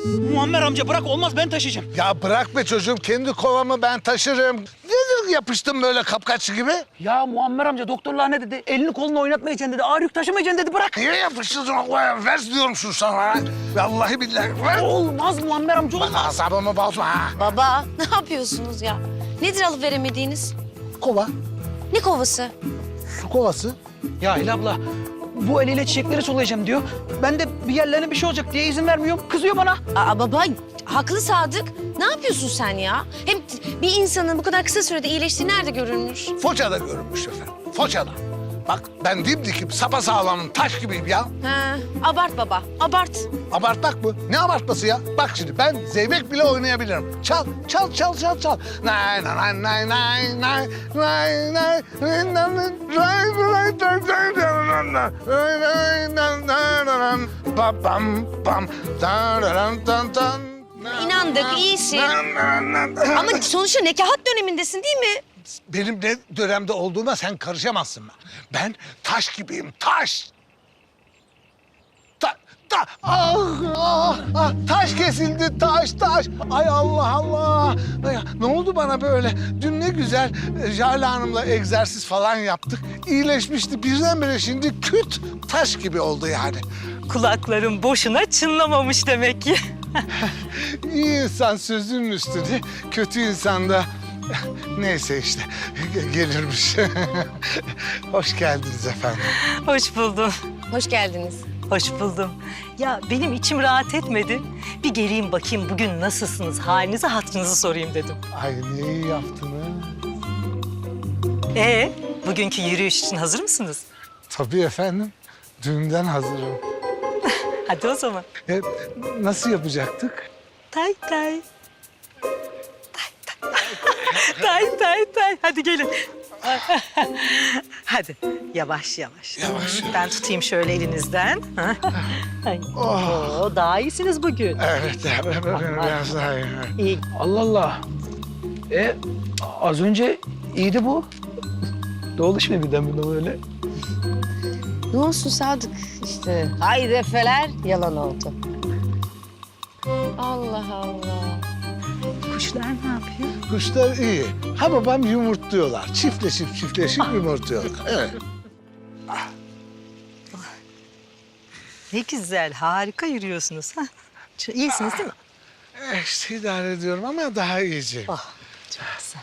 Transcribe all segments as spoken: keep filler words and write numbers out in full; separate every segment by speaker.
Speaker 1: Muammer amca bırak, olmaz, ben taşıyacağım.
Speaker 2: Ya bırak be çocuğum, kendi kovamı ben taşırım. Nedir yapıştım böyle kapkaççı gibi?
Speaker 1: Ya Muammer amca doktorlar ne dedi? Elini kolunu oynatmayacaksın dedi. Ağır yük taşımayacaksın dedi, bırak.
Speaker 2: Niye yapıştırdın o kovaya? Ver diyorum şunu sana. Vallahi billahi ver.
Speaker 1: Olmaz Muammer amca,
Speaker 2: Bak
Speaker 1: olmaz.
Speaker 2: asabımı bozma ha.
Speaker 3: Baba ne yapıyorsunuz ya? Nedir alıp veremediğiniz?
Speaker 2: Kova,
Speaker 3: Ne kovası?
Speaker 2: su kovası.
Speaker 1: Ya Hilal abla, bu eliyle çiçekleri sulayacağım diyor. Ben de bir yerlerine bir şey olacak diye izin vermiyorum. Kızıyor bana.
Speaker 3: Aa baba haklı Sadık. Ne yapıyorsun sen ya? Hem bir insanın bu kadar kısa sürede iyileştiği nerede görülmüş?
Speaker 2: Foça'da görünmüş efendim, Foça'da. Bak ben dimdikim, sapasağlamım, taş gibiyim ya.
Speaker 3: Ha, abart baba, abart.
Speaker 2: Abartmak mı? Ne abartması ya? Bak şimdi ben zeybek bile oynayabilirim. Çal, çal, çal, çal, çal. Nay nay nay nay nay nay nay nay nay nay nay nay nay Pam pam tararam tan tan.
Speaker 3: İnandık, iyisin. Ama sonuçta nekahat dönemindesin değil mi?
Speaker 2: Benim ne dönemde olduğuma sen karışamazsın. Ben taş gibiyim, taş. Ta, ta, ah, ah, ah, taş kesildi, taş, taş. Ay Allah Allah. Ay, ne oldu bana böyle? Dün ne güzel e, Jale Hanım'la egzersiz falan yaptık. İyileşmişti. Birdenbire şimdi küt taş gibi oldu yani.
Speaker 4: Kulaklarım boşuna çınlamamış demek ki.
Speaker 2: İyi insan sözünün üstüne, kötü insan da neyse işte gelirmiş. Hoş geldiniz efendim.
Speaker 4: Hoş buldum.
Speaker 3: Hoş geldiniz.
Speaker 4: Hoş buldum. Ya benim içim rahat etmedi. Bir geleyim bakayım bugün nasılsınız, halinizi hatırınızı sorayım dedim.
Speaker 2: Ay ne iyi yaptınız.
Speaker 4: Ee, bugünkü yürüyüş için hazır mısınız?
Speaker 2: Tabii efendim. Düğünden hazırım.
Speaker 4: Hadi o zaman.
Speaker 2: E, nasıl yapacaktık?
Speaker 4: Tay tay. Tay tay. tay tay tay. Hadi gelin. Hadi yavaş yavaş.
Speaker 2: Yavaş,
Speaker 4: Ben
Speaker 2: yavaş.
Speaker 4: tutayım şöyle elinizden. Ay.
Speaker 2: Oh.
Speaker 4: Oo, daha iyisiniz bugün.
Speaker 2: Evet, evet, biraz daha iyi.
Speaker 4: İyi.
Speaker 1: Allah Allah. E az önce iyiydi bu. Ne oldu şimdi birden buna böyle?
Speaker 3: Ne olsun Sadık işte. Ay defeler yalan oldu. Allah Allah.
Speaker 4: Kuşlar ne yapıyor?
Speaker 2: Kuşlar iyi. Ha babam yumurtluyorlar. Çiftleşip çiftleşip yumurtluyorlar. Evet.
Speaker 4: Ne güzel, harika yürüyorsunuz. Ha? Ç- İyisiniz değil mi?
Speaker 2: E, işte idare ediyorum ama daha iyice.
Speaker 4: Oh, çok güzel.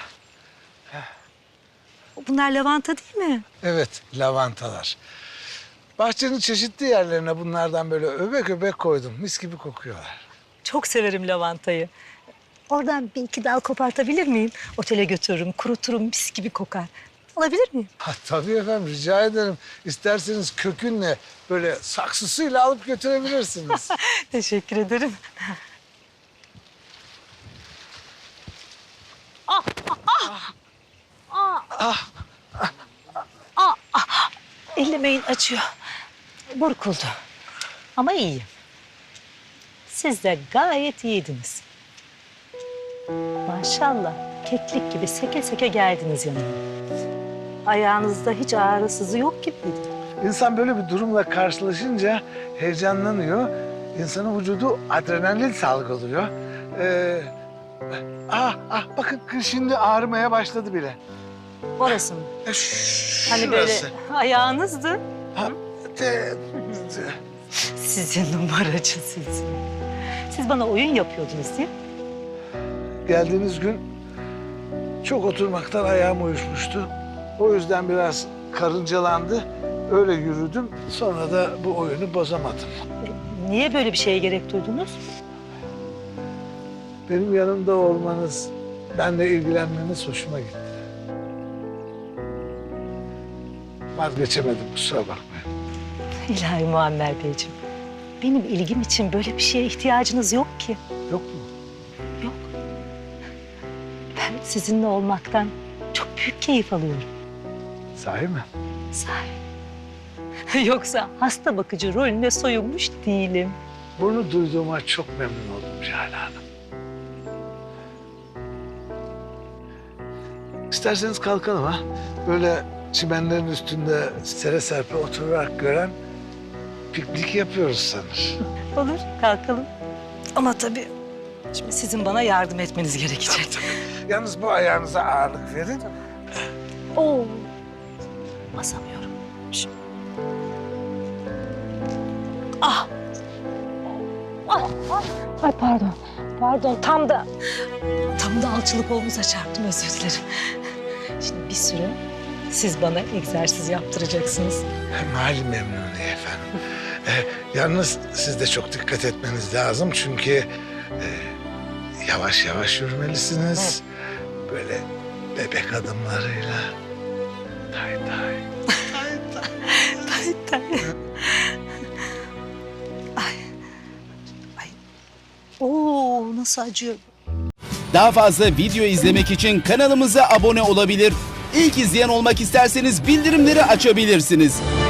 Speaker 4: Bunlar lavanta değil mi?
Speaker 2: Evet, lavantalar. Bahçenin çeşitli yerlerine bunlardan böyle öbek öbek koydum. Mis gibi kokuyorlar.
Speaker 4: Çok severim lavantayı. Oradan bir iki dal kopartabilir miyim? Otele götürürüm, kuruturum, mis gibi kokar. Alabilir miyim?
Speaker 2: Ha, tabii efendim, rica ederim. İsterseniz kökünle böyle saksısıyla alıp götürebilirsiniz.
Speaker 4: Teşekkür ederim. Ellemeyin, acıyor. Burkuldu. Ama iyiyim. Siz de gayet iyiydiniz. Maşallah, keklik gibi seke seke geldiniz yanıma. Ayağınızda hiç ağrı sızı yok gibiydi.
Speaker 2: İnsan böyle bir durumla karşılaşınca heyecanlanıyor. İnsanın vücudu adrenalin salgılıyor. Ee, ah, ah bakın şimdi ağrımaya başladı bile.
Speaker 4: Orası mı?
Speaker 2: E, ş-
Speaker 4: Hani böyle
Speaker 2: şurası.
Speaker 4: ayağınızdı.
Speaker 2: Ha, de- de-
Speaker 4: Sizin numaracı sizin. Siz bana oyun yapıyordunuz değil mi?
Speaker 2: Geldiğiniz gün çok oturmaktan ayağım uyuşmuştu. O yüzden biraz karıncalandı. Öyle yürüdüm. Sonra da bu oyunu bozamadım.
Speaker 4: Niye böyle bir şeye gerek duydunuz?
Speaker 2: Benim yanımda olmanız, benimle ilgilenmeniz hoşuma gitti. Vazgeçemedim, kusura bakmayın.
Speaker 4: İlahi Muammer Beyciğim. Benim ilgim için böyle bir şeye ihtiyacınız yok ki.
Speaker 2: Yok mu?
Speaker 4: Yok. Ben sizinle olmaktan çok büyük keyif alıyorum.
Speaker 2: Sahi mi?
Speaker 4: Sahi. Yoksa hasta bakıcı rolüne soyunmuş değilim.
Speaker 2: Bunu duyduğuma çok memnun oldum Jale Hanım. İsterseniz kalkalım ha. Böyle çimenlerin üstünde sere serpe oturarak gören piknik yapıyoruz sanır.
Speaker 4: Olur, kalkalım. Ama tabii şimdi sizin bana yardım etmeniz gerekecek.
Speaker 2: Yalnız bu ayağınıza ağırlık verin.
Speaker 4: Oo. Basamıyorum. Şu- Ah. Ah, ah. Ay pardon. Pardon tam da tam da alçılı kolunuza çarptım, özür dilerim. Şimdi bir süre siz bana egzersiz yaptıracaksınız.
Speaker 2: Mali memnuni efendim. Ee, yalnız siz de çok dikkat etmeniz lazım çünkü e, yavaş yavaş yürümelisiniz. Böyle bebek adımlarıyla. Tay tay. Tay tay.
Speaker 4: Tay tay. Ay. Ay. Oo, nasıl acıyor.
Speaker 5: Daha fazla video izlemek için kanalımıza abone olabilir. İlk izleyen olmak isterseniz bildirimleri açabilirsiniz.